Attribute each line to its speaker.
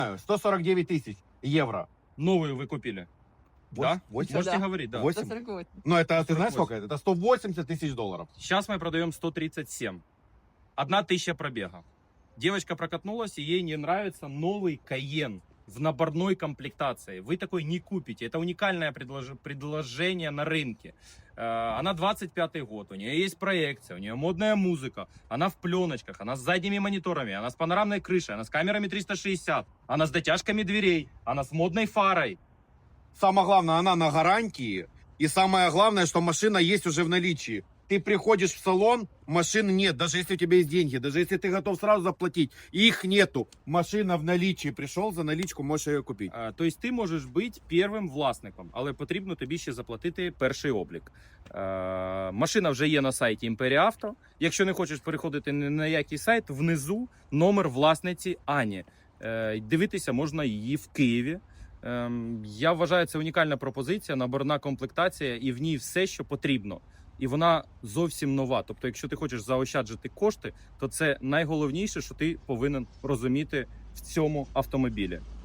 Speaker 1: 149 тысяч евро.
Speaker 2: Новую вы купили? Да?
Speaker 1: 8?
Speaker 2: Можете
Speaker 3: Да.
Speaker 2: говорить, да.
Speaker 1: 8?
Speaker 3: 148.
Speaker 1: Ну, это, ты знаешь
Speaker 2: 148.
Speaker 1: сколько это? Это 180 тысяч долларов.
Speaker 2: Сейчас мы продаем 137. 1000 пробега. Девочка прокатнулась, и ей не нравится новый Кайен в наборной комплектации. Вы такой не купите. Это уникальное предложение на рынке. Она 25-й год, у нее есть проекция, у нее модная музыка, она в пленочках, она с задними мониторами, она с панорамной крышей, она с камерами 360, она с дотяжками дверей, она с модной фарой.
Speaker 1: Самое главное, она на гарантии. И самое главное, что машина есть уже в наличии. Ты приходишь в салон, машины нет. Даже если у тебя есть деньги, даже если ты готов сразу заплатить, их нету. Машина в наличии. Пришел за наличку, можеш її купити.
Speaker 2: Тобто ти можеш бути першим власником, але потрібно тобі ще заплатити перший облік. Машина вже є на сайті Імперія Авто. Якщо не хочеш переходити ні на який сайт, внизу номер власниці Ані. Дивитися можна її в Києві. Я вважаю, це унікальна пропозиція, наборна комплектація, і в ній все, що потрібно. І вона зовсім нова. Тобто, якщо ти хочеш заощаджити кошти, то це найголовніше, що ти повинен розуміти в цьому автомобілі.